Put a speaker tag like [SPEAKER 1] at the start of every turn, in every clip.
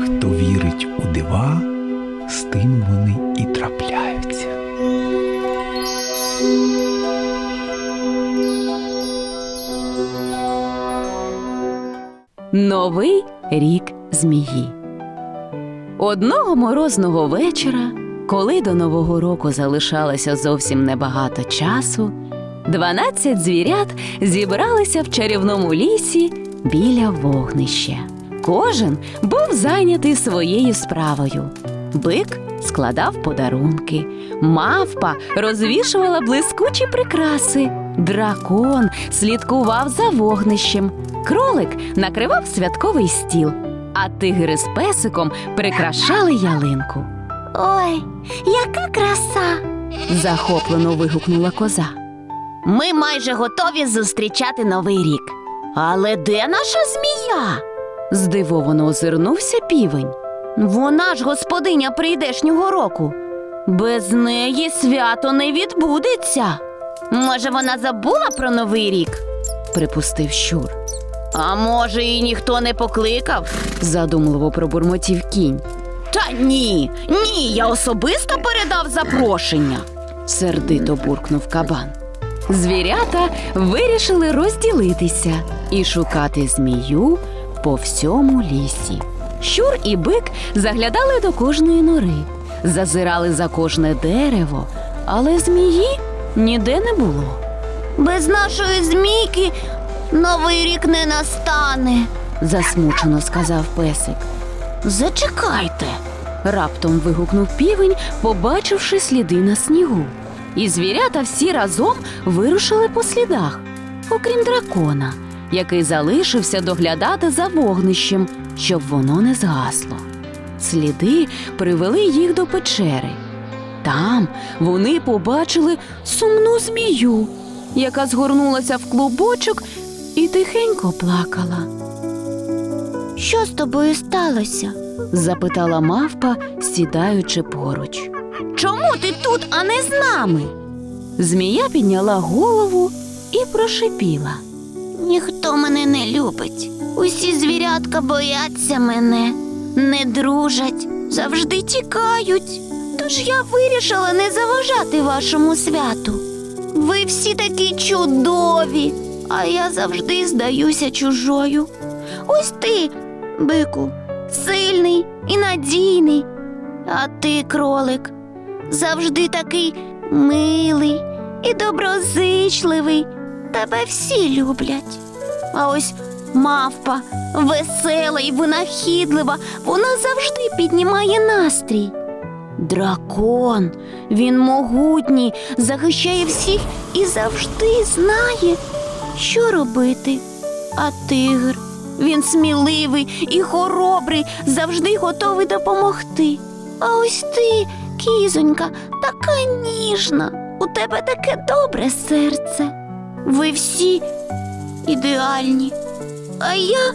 [SPEAKER 1] Хто вірить у дива, з тим вони і трапляються.
[SPEAKER 2] Новий рік змії. Одного морозного вечора, коли до Нового року залишалося зовсім небагато часу, 12 звірят зібралися в чарівному лісі біля вогнища. Кожен був зайнятий своєю справою. Бик складав подарунки, мавпа розвішувала блискучі прикраси, дракон слідкував за вогнищем, кролик накривав святковий стіл, а тигр із песиком прикрашали ялинку.
[SPEAKER 3] Ой, яка краса!
[SPEAKER 2] Захоплено вигукнула коза.
[SPEAKER 3] Ми майже готові зустрічати Новий рік. Але де наша змія?
[SPEAKER 2] Здивовано озирнувся півень.
[SPEAKER 3] Вона ж господиня прийдешнього року. Без неї свято не відбудеться. Може, вона забула про Новий рік?
[SPEAKER 2] Припустив щур.
[SPEAKER 3] А може, її ніхто не покликав?
[SPEAKER 2] Задумливо пробурмотів кінь.
[SPEAKER 3] Та ні, я особисто передав запрошення.
[SPEAKER 2] Сердито буркнув кабан. Звірята вирішили розділитися і шукати змію по всьому лісі. Щур і бик заглядали до кожної нори, зазирали за кожне дерево, але змії ніде не було.
[SPEAKER 3] Без нашої змійки Новий рік не настане,
[SPEAKER 2] засмучено сказав песик.
[SPEAKER 3] Зачекайте.
[SPEAKER 2] Раптом вигукнув півень, побачивши сліди на снігу. І звірята всі разом вирушили по слідах, окрім дракона, який залишився доглядати за вогнищем, щоб воно не згасло. Сліди привели їх до печери. Там вони побачили сумну змію, яка згорнулася в клубочок і тихенько плакала.
[SPEAKER 3] Що з тобою сталося?
[SPEAKER 2] Запитала мавпа, сідаючи поруч.
[SPEAKER 3] Чому ти тут, а не з нами?
[SPEAKER 2] Змія підняла голову і прошипіла.
[SPEAKER 3] Ніхто мене не любить. Усі звірятка бояться мене, не дружать, завжди тікають. Тож я вирішила не заважати вашому святу. Ви всі такі чудові, а я завжди здаюся чужою. Ось ти, бику, сильний і надійний, а ти, кролик, завжди такий милий і доброзичливий. Тебе всі люблять. А ось мавпа, весела і винахідлива, вона завжди піднімає настрій. Дракон, він могутній, захищає всіх і завжди знає, що робити. А тигр, він сміливий і хоробрий, завжди готовий допомогти. А ось ти, кізонька, така ніжна, у тебе таке добре серце. Ви всі ідеальні, а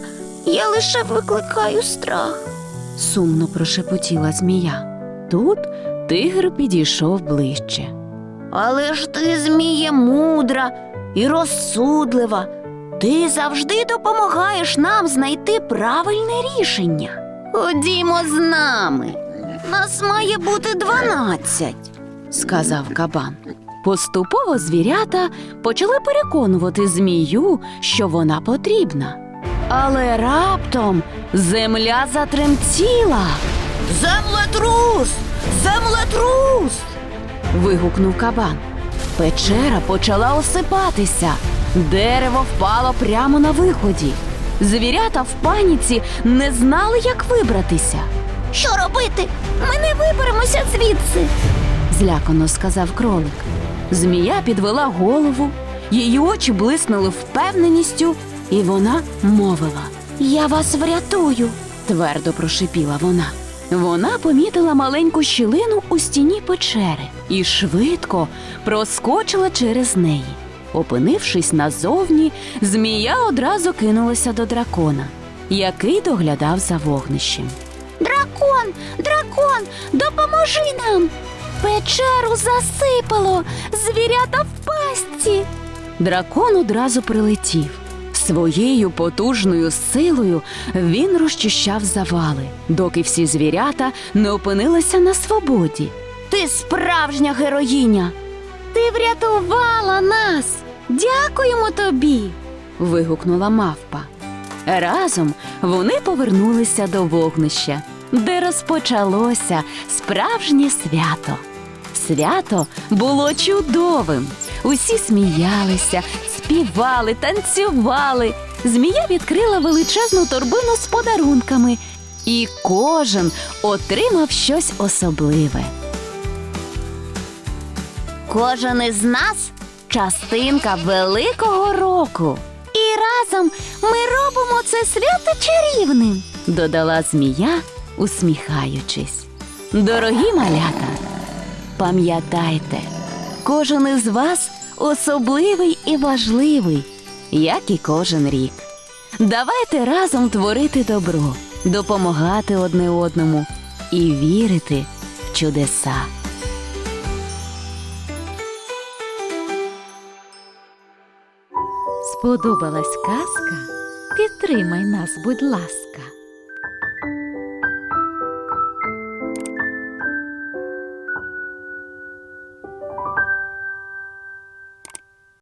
[SPEAKER 3] я лише викликаю страх.
[SPEAKER 2] Сумно прошепотіла змія. Тут тигр підійшов ближче.
[SPEAKER 3] Але ж ти, зміє, мудра і розсудлива. Ти завжди допомагаєш нам знайти правильне рішення. Ходімо з нами. Нас має бути 12,
[SPEAKER 2] сказав кабан. Поступово звірята почали переконувати змію, що вона потрібна. Але раптом земля затремтіла.
[SPEAKER 3] Землетрус! Землетрус!
[SPEAKER 2] Вигукнув кабан. Печера почала осипатися. Дерево впало прямо на виході. Звірята в паніці не знали, як вибратися.
[SPEAKER 3] Що робити? Ми не виберемося звідси,
[SPEAKER 2] злякано сказав кролик. Змія підвела голову, її очі блиснули впевненістю, і вона мовила.
[SPEAKER 3] Я вас врятую,
[SPEAKER 2] твердо прошипіла вона. Вона помітила маленьку щілину у стіні печери і швидко проскочила через неї. Опинившись назовні, змія одразу кинулася до дракона, який доглядав за вогнищем.
[SPEAKER 3] Дракон, допоможи нам! Печеру засипало, звірята в пастці.
[SPEAKER 2] Дракон одразу прилетів. Своєю потужною силою він розчищав завали, доки всі звірята не опинилися на свободі.
[SPEAKER 3] Ти справжня героїня! Ти врятувала нас! Дякуємо тобі!
[SPEAKER 2] Вигукнула мавпа. Разом вони повернулися до вогнища, де розпочалося справжнє свято. Свято було чудовим. Усі сміялися, співали, танцювали. Змія відкрила величезну торбину з подарунками, і кожен отримав щось особливе.
[SPEAKER 3] Кожен із нас частинка великого року. І разом ми робимо це свято чарівним.
[SPEAKER 2] Додала змія, усміхаючись. Дорогі малята, пам'ятайте, кожен із вас особливий і важливий, як і кожен рік. Давайте разом творити добро, допомагати одне одному і вірити в чудеса.
[SPEAKER 4] Сподобалась казка? Підтримай нас, будь ласка.